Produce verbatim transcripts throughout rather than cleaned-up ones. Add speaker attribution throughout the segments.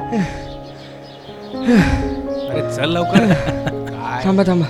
Speaker 1: अरे चल लवकर. काय
Speaker 2: थांबा थांबा.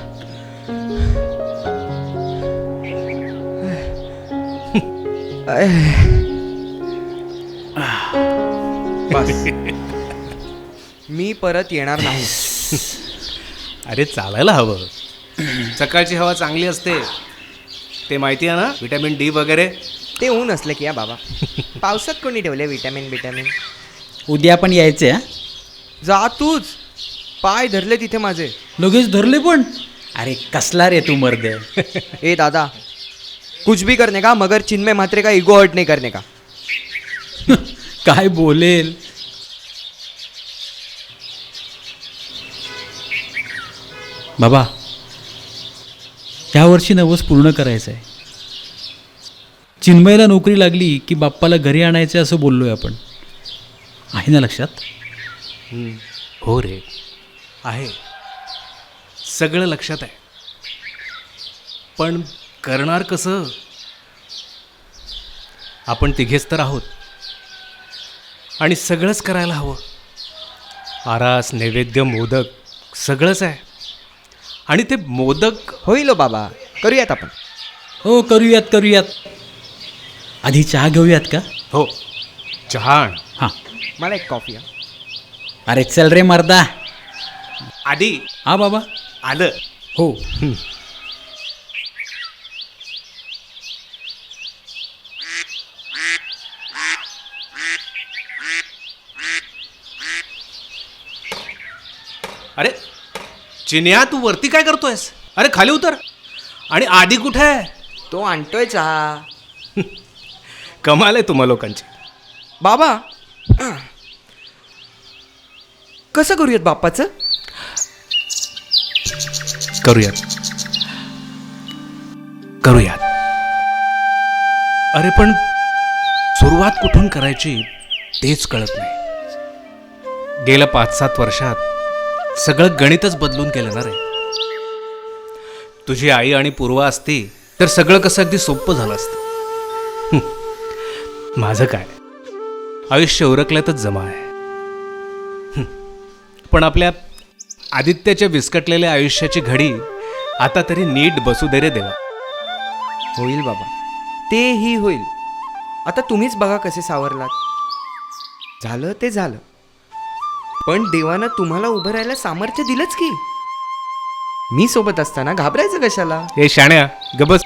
Speaker 2: बस. मी परत येणार नाही.
Speaker 1: अरे चालायला हवं. सकाळची हवा चांगली असते ते माहिती आहे ना, विटॅमिन डी वगैरे.
Speaker 2: ते ऊन असलं की या बाबा. पावसात कोणी ठेवले विटॅमिन विटॅमिन.
Speaker 3: उद्या पण यायचे हा.
Speaker 2: जा तूच. पाय धरले तिथे माझे.
Speaker 3: लगेच धरले पण. अरे कसला रे तू मर्द.
Speaker 2: ए दादा, कुछ भी करने का मगर चिन्मय म्हात्रे का इगो हर्ट नहीं करने का.
Speaker 3: काय बोलेल. बाबा, यावर्षी नवस पूर्ण करायचं आहे. चिन्मयला नोकरी लागली की बाप्पाला घरी आणायचं असं बोललोय आपण. आहे ना लक्षात?
Speaker 1: हो रे, आहे सगळं लक्षात आहे. पण करणार कसं? आपण तिघेच तर आहोत आणि सगळंच करायला हवं. आरास, नैवेद्य, मोदक सगळंच आहे. आणि ते मोदक
Speaker 2: होईल हो बाबा, करूयात आपण.
Speaker 3: हो करूयात करूयात. आधी चहा घेऊयात का?
Speaker 1: हो, चहा आण.
Speaker 3: हां.
Speaker 2: मला एक कॉफी हा.
Speaker 3: अरे चल रे मर्दा.
Speaker 1: आधी
Speaker 3: हा बाबा.
Speaker 1: आलं.
Speaker 3: हो.
Speaker 1: अरे चिन्या, तू वरती काय करतोयस? अरे खाली उतर. आणि आधी कुठे आहे?
Speaker 2: तो आणतोय चहा.
Speaker 1: कमाल आहे तुम्हा लोकांची.
Speaker 2: बाबा, कसं करूयात बाप्पाचं?
Speaker 1: करूयात करूयात अरे पण सुरुवात कुठून करायची तेच कळत नाही. गेल्या पाच सात वर्षात सगळं गणितच बदलून गेलं ना रे. तुझी आई आणि पूर्वा असती तर सगळं कसं अगदी सोपं झालं असतं. माझं काय, आयुष्य उरकल्यातच जमा आहे. पण आपल्या आदित्याच्या विस्कटलेल्या आयुष्याची घडी आता तरी नीट बसू दे रे देवा.
Speaker 2: होईल बाबा, तेही होईल. आता तुम्हीच बघा कसे सावरलात. झालं ते झालं. पण देवानं तुम्हाला उभं राहायला सामर्थ्य दिलंच की. मी सोबत असताना घाबरायचं कशाला?
Speaker 1: हे शाण्या गबस.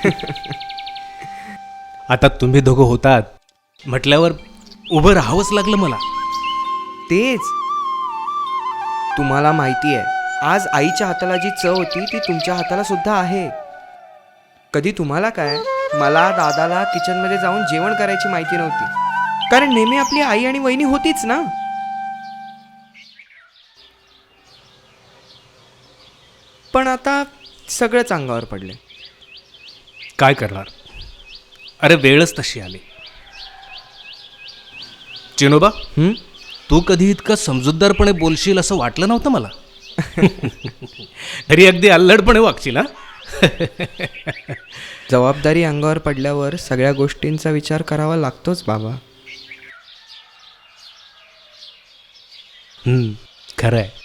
Speaker 1: आता तुम्ही दोघं होतात म्हटल्यावर उभं राहावंच लागलं मला.
Speaker 2: तेच. तुम्हाला माहिती आहे, आज आईच्या हाताला जी चव होती ती तुमच्या हाताला सुद्धा आहे. कधी तुम्हाला काय, मला दादाला किचनमध्ये जाऊन जेवण करायची माहिती नव्हती. कारण नेहमी आपली आई आणि वहिनी होतीच ना. पण आता सगळंच अंगावर पडले.
Speaker 1: काय करणार? अरे वेळच तशी आली. चिनोबा,
Speaker 2: हं?
Speaker 1: तू कधी इतकं समजूतदारपणे बोलशील असं वाटलं नव्हतं मला. तरी अगदी अल्लडपणे वागशील. हा.
Speaker 2: जबाबदारी अंगावर पडल्यावर सगळ्या गोष्टींचा विचार करावा लागतोच बाबा.
Speaker 1: हम्म, खरं आहे.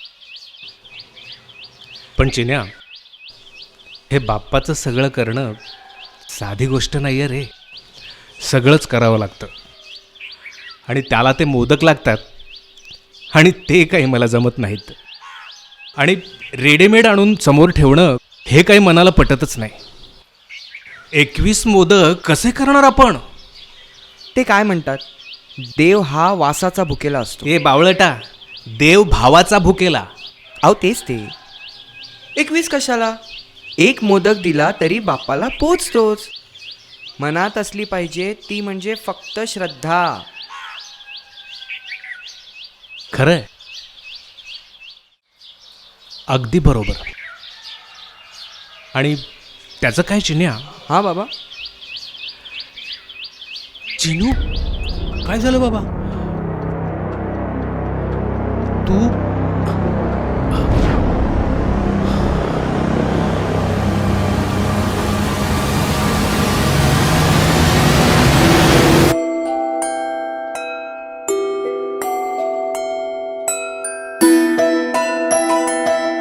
Speaker 1: पण चिन्या, हे बाप्पाचं सगळं करणं साधी गोष्ट नाही आहे रे. सगळंच करावं लागतं. आणि त्याला ते मोदक लागतात आणि ते काही मला जमत नाहीत. आणि रेडीमेड आणून समोर ठेवणं हे काही मनाला पटतच नाही. एकवीस मोदक कसे करणार आपण?
Speaker 2: ते काय म्हणतात, देव हा वासाचा भुकेला असतो.
Speaker 1: हे बावळटा, देव भावाचा भुकेला.
Speaker 2: अहो तेच ते. एकवीस कशाला? एक मोदक दिला तरी बाप्पाला पोचतोच. मनात असली पाहिजे ती म्हणजे फक्त श्रद्धा.
Speaker 1: खरं आहे. अगदी बरोबर. आणि त्याचं काय चिन्या?
Speaker 2: हा बाबा.
Speaker 1: चिनू,
Speaker 3: काय झालं बाबा?
Speaker 1: तू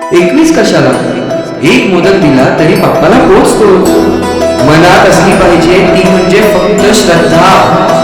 Speaker 2: एकवीस कशाला? एक मोदक दिला तरी बाप्पाला पोचतो. मनात असली पाहिजे ती म्हणजे फक्त श्रद्धा.